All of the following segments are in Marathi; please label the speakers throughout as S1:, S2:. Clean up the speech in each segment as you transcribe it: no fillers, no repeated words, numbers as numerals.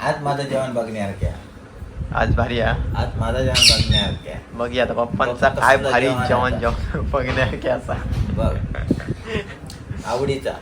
S1: आज माझं जेवण बघण्यासारखे आहे.
S2: आज भारी आहे.
S1: आज माझं जेवण बघण्यासारखे आहे.
S2: बघ आता पप्पांचा काय भारी जेवण जेवण बघण्यासारखे असा
S1: बघ आवडीचा.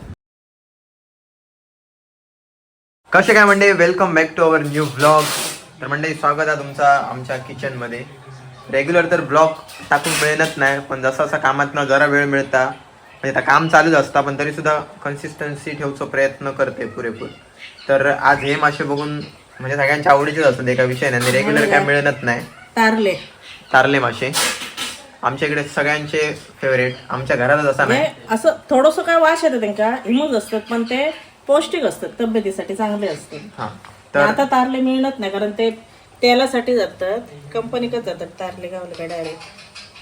S2: कसे काय म्हणजे welcome back to our new blog. तर म्हणजे स्वागत आहे तुमचा आमच्या किचनमध्ये. रेग्युलर तर ब्लॉग टाकून मिळत नाही, पण जसा असा कामातनं जरा वेळ मिळता म्हणजे आता काम चालूच असतं, पण तरी सुद्धा कन्सिस्टन्सी ठेवचा प्रयत्न करते पुरेपूर. तर आज हे मासे बघून म्हणजे सगळ्यांच्या आवडीचेच असतात, एका विषय नाही, रेग्युलर काय मिळत नाही. तारले मासे आमच्या इकडे सगळ्यांचे फेवरेट. आमच्या घरातच असा नाही,
S3: असं थोडंसं काय वास येतं त्यांना, इमोज असतात पण ते पौष्टिक असतात, तब्येतीसाठी चांगले असतात.
S2: हा
S3: तर आता तारले मिळत नाही कारण ते तेलासाठी जातात, कंपनीकच जातात तारले गावले डायरेक्ट.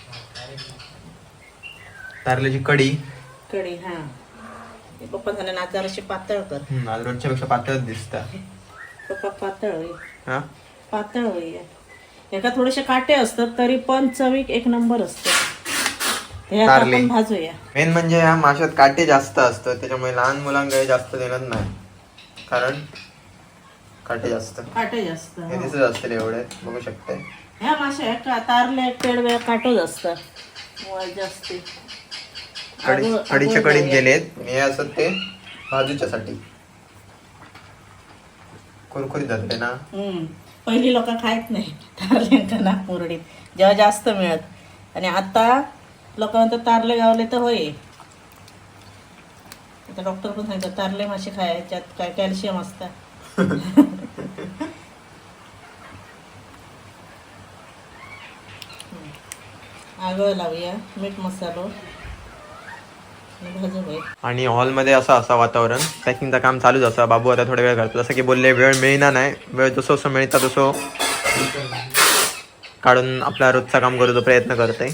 S2: तारल्याची कढी
S3: हा पप्पा झाले ना जराशी पातळ कर.
S2: आज रोजच्या पेक्षा पातळच दिसतात.
S3: पप्पा पातळ होई,
S2: हा
S3: पातळ होई. एका थोडेसे काटे असतात तरी पण चवीक एक नंबर असतं. हे आता
S2: तारले.
S3: आपण भाजूया.
S2: मेन म्हणजे ह्या माशात काटे जास्त असतात, त्याच्यामुळे लहान मुलांकडे जास्त देणार नाही, कारण काटे जास्त हे दिसत असतील एवढे बघू शकते.
S3: ह्या माश्या का तारले पेडवे काटोच असतात जास्ती.
S2: कढीच्या कडीत गेलेत हे असत ते भाजूच्यासाठी कुरकुरीत जाते ना.
S3: पहिली लोक खायत नाही तारले ना मुरडीत, जेव्हा जास्त मिळत. आणि आता लोक म्हणतात तारले गावले तर होय. आता डॉक्टर पण सांगतात तारले मासे खायच्यात काय कॅल्शियम असतं. आगळ लावूया, मीठ मसालो
S2: आणि हॉलमध्ये असं वातावरण, पॅकिंगचं काम चालूच असं. बाबू आता थोडा वेळ करतो, जसं की बोलले वेळ मिळणार नाही, वेळ जसं जसं मिळता तसं काढून आपला रोजचा काम करूचा प्रयत्न करते.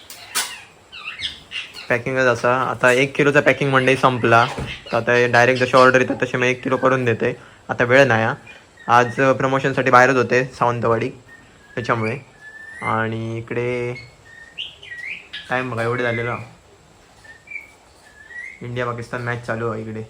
S2: पॅकिंगच असं आता 1 किलोचा पॅकिंग मंडई संपला, तर आता डायरेक्ट जशी ऑर्डर येतात तसे मी 1 किलो करून देते. आता वेळ नाही, आज प्रमोशनसाठी बाहेरच होते सावंतवाडी त्याच्यामुळे. आणि इकडे टाईम बघा एवढे झालेलं, इंडिया पाकिस्तान मॅच चालू आहे इकडे.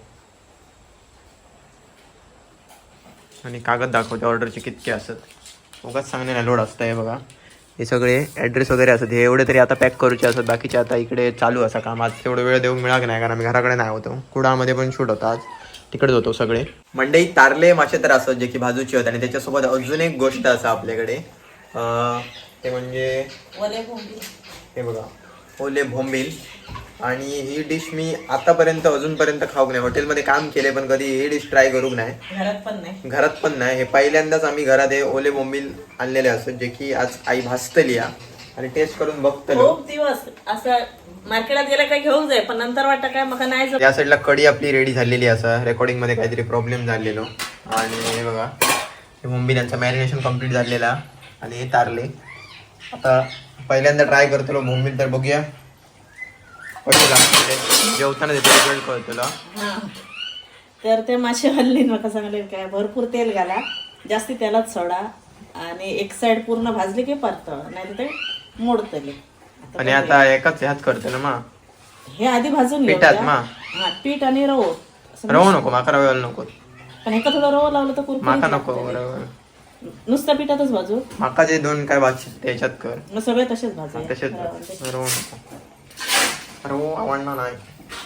S2: आणि कागद दाखवते ऑर्डरचे कितके असत, उगाच सांगणे नाही लोड असतं. हे बघा हे सगळे ॲड्रेस वगैरे असत, हे एवढे तरी आता पॅक करूचे असत, बाकीचे आता इकडे चालू असा काम. आज तेवढं वेळ देऊ मिळाला नाही, कारण आम्ही घराकडे नाही होतो, कुडामध्ये पण शूट होता आज, तिकडेच होतो सगळे. मंडई तारले मासे तर असत जे की भाजूचे होते. आणि त्याच्यासोबत अजून एक गोष्ट असं आपल्याकडे, ते म्हणजे हे बघा ओले बोंबील. आणि ही डिश मी आतापर्यंत अजूनपर्यंत खाऊक नाही, हॉटेलमध्ये काम केले पण कधी ही डिश ट्राय करूक नाही, घरात पण नाही. हे पहिल्यांदाच आम्ही घरात हे ओले बोंबील आणलेले असत, जे की आज आई भाजतली आणि टेस्ट करून बघतलो.
S3: खूप दिवस असं मार्केटात गेला काय घेऊन जाय, पण नंतर वाटतं काय मग नाही.
S2: या साईडला कढी आपली रेडी झालेली असं, रेकॉर्डिंग मध्ये काहीतरी प्रॉब्लेम झालेलो. आणि हे बघा हे बोंबील यांचं मॅरिनेशन कम्प्लीट झालेला. आणि हे तारले आता पहिल्यांदा ट्राय करतो बोंबील, तर बघूया कसे लागते. जेवताना रिझल्ट कळतो तुला.
S3: तर ते मासे हल्ली नका सांगले काय, भरपूर तेल घाला, जास्ती तेलात सोडा, आणि एक साइड पूर्ण भाजली की परतवा, नाही तर ते मोडतले.
S2: आणि आता एकाच ह्याच करतो ना मा,
S3: हे आधी भाजून
S2: पिठात मा
S3: पीठ आणि रवो.
S2: रवो नको माका, रव्याला नको.
S3: पण एका थोडं रवो लावलं तर कुरकुरीत
S2: माका
S3: लागतं.
S2: नको,
S3: नुसत्या पिठातच भाजू.
S2: माका जे दोन काय भाजी त्याच्यात कर,
S3: मग सगळे तसेच भाजू.
S2: तसेच रवो नको, रवो आवडणार नाही.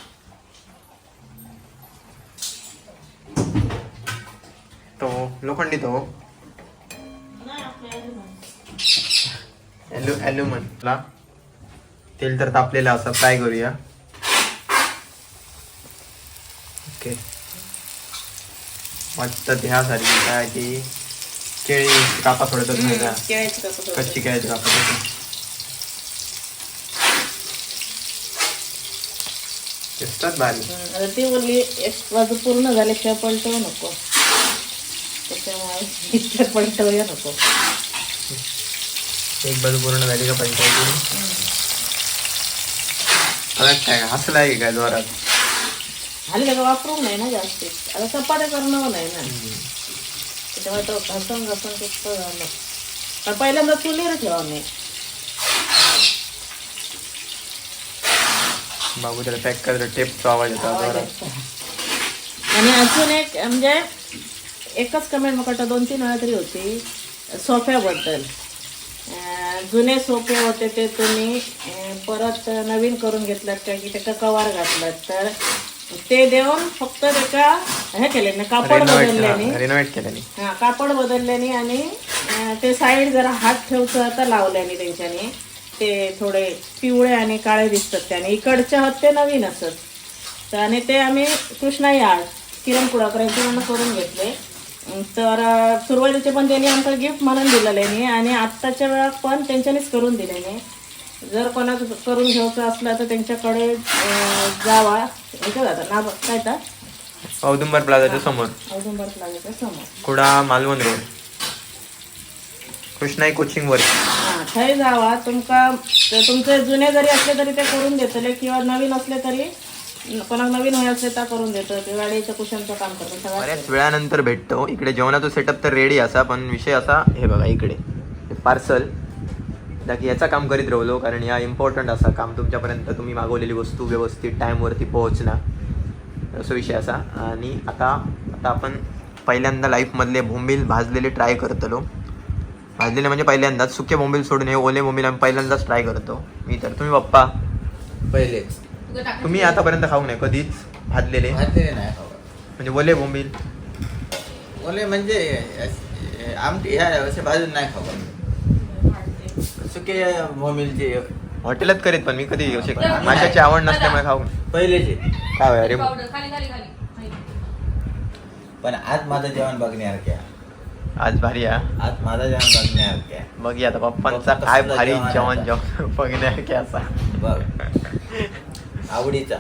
S2: तो लोखंडी तो ॲल्युमिनियमला तेल तर तापलेलं असं, फ्राय करूया. ओके वाटतं ह्यासारखी काय ती केळी कापा सोडतच नाही का, कच्ची केळीची कापा दिसतात भारी.
S3: आता ती बोलली एक बाजू पूर्ण झाल्याशिवाय पलटवू नको, त्याच्यामुळे इतक्या पलटवूया नको.
S2: एक बाजू पूर्ण झाली का पंचायती काय हसलाय काय जोरात
S3: हल्ली त्याला वापरून नाही ना जास्ती, आता चपात्या करणं नाही ना, त्याच्यामुळे तो घासून घासून झालं. पण पहिल्यांदा चुलीवर ठेवा मी.
S2: बाबू त्याला पॅक करायचं टेपचा आवाज येतो.
S3: आणि अजून एक म्हणजे एकच कमेंट म्हाका 2-3 वेळा तरी होती सोफ्याबद्दल. जुने सोफे होते ते तुम्ही परत नवीन करून घेतलात का की त्याचा कवर घातलात, तर ते देऊन फक्त त्याचा हे केले ना, कापड बदलल्याने,
S2: रिनोव्हेट केल्याने.
S3: हा कापड बदलल्याने आणि ते साईड जरा हात ठेवचं आता लावल्याने त्यांच्याने ते थोडे पिवळे आणि काळे दिसतात त्याने. इकडचे हात ते नवीन असत. तर आणि ते आम्ही कृष्णाई आर्ट किरण कुडाकरांची म्हणून करून घेतले. तर सुरुवातीचे पण त्यांनी आमका गिफ्ट म्हणून दिलेले आणि आत्ताच्या वेळात पण त्यांच्यानीच करून दिलेले. जर कोणाचं करून घ्यायचं असलं तर त्यांच्याकडे जावा. इथं जातात ना काय तर
S2: औदुंबर प्लाझाच्या समोर,
S3: औदुंबर प्लाझाच्या समोर,
S2: कुडा मालवण रोड, कृष्णाई कोचिंग वर.
S3: हां थंय जावा. तुमचे जुने जरी असले तरी ते करून देतले किंवा नवीन असले तरी कोणाक नवीन होय असले तर करून देतो. ते गाडीचं कुशनचं काम करतो सगळं.
S2: बऱ्याच वेळानंतर भेटतो. इकडे जेवणाचा सेटअप तर रेडी असा, पण विषय असा हे बघा इकडे पार्सल की याचा काम करीत राहिलो, कारण या इम्पॉर्टंट असा काम तुमच्यापर्यंत तुम्ही मागवलेली वस्तू व्यवस्थित टाईमवरती पोहोचणार असं विषय असा. आणि आता आपण पहिल्यांदा लाईफमधले बोंबील भाजलेले ट्राय करतलो. भाजलेले म्हणजे पहिल्यांदाच, सुके बोंबील सोडून हे ओले बोंबील आम्ही पहिल्यांदाच ट्राय करतो. मी तर, तुम्ही पप्पा
S1: पहिलेच
S2: तुम्ही आतापर्यंत खाऊ नये कधीच भाजलेले
S1: भाजलेले नाही खावा.
S2: म्हणजे ओले बोंबील?
S1: ओले म्हणजे आमटी ह्या असे भाजून नाही खावा. सुके मोमिलचे
S2: हॉटेलात करीत, पण मी कधी असे माशाची आवड नसल्यामुळे खाऊ
S1: पहिलेचे.
S2: काय अरे
S1: पण आज माझं जेवण बघण्यासारखे आहे.
S2: आज भारी आहे.
S1: आज माझं जेवण बघण्यासारखे आहे.
S2: बघ आता पप्पांचा काय भारी जेवण बघण्यासारखे असा
S1: बघ आवडीचा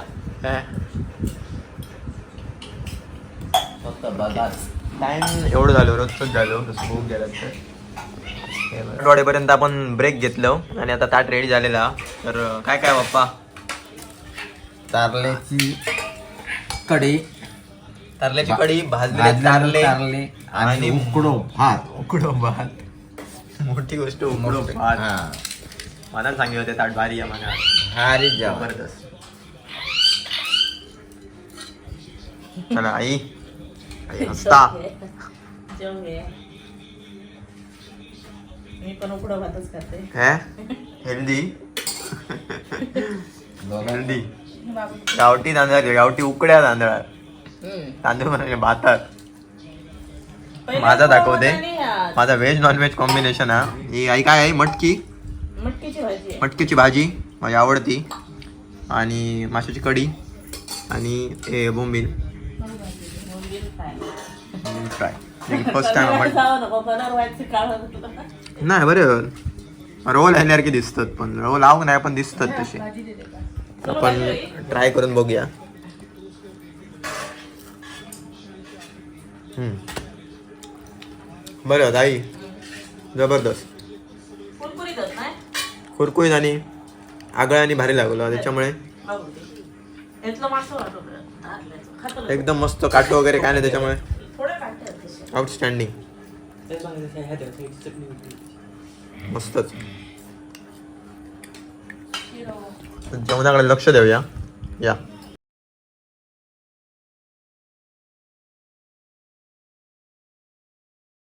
S1: फक्त बघाच.
S2: टाइम एवढं झालं, रोजच झालो तसं भूक गेला तर वाडेपर्यंत आपण ब्रेक घेतलो आणि आता ताट रेडी झालेला. तर काय काय पप्पा?
S1: कारल्याची कढी,
S2: कारल्याची कढी, भाजलेले कारले
S1: आणि उकडो भात.
S2: उकडो भात, मोठी गोष्ट उकडो भात.
S1: हा
S2: मला सांगितलं होते ताट भारी आहे मला.
S1: भारी जेवण.
S2: जबरदस्त. चला आई हसता.
S3: जेवण घे. मी पण उकडं भातच खाते.
S2: Healthy healthy. गावठी तांदळाचे, गावठी उकड्या तांदळात तांदूळ म्हणजे भातात. माझा दाखवते माझा व्हेज नॉन व्हेज कॉम्बिनेशन हा. ही आई काय आहे?
S3: मटकीची भाजी.
S2: मटकीची भाजी माझी आवडती, आणि माशाची कढी आणि हे बोंबील फ्राय. फर्स्ट टाइम नाही बरं. रोल ह्याल्यासारखे दिसतात, पण रोल आव नाही पण दिसतात तसे. आपण ट्राय करून बघूया. बरं ताई, जबरदस्त कुरकुरीत आणि आगळा आणि भारी लागलो त्याच्यामुळे एकदम मस्त. काटो वगैरे काय नाही त्याच्यामुळे आउटस्टँडिंग, मस्तच. जेवणाकडे लक्ष देऊया. या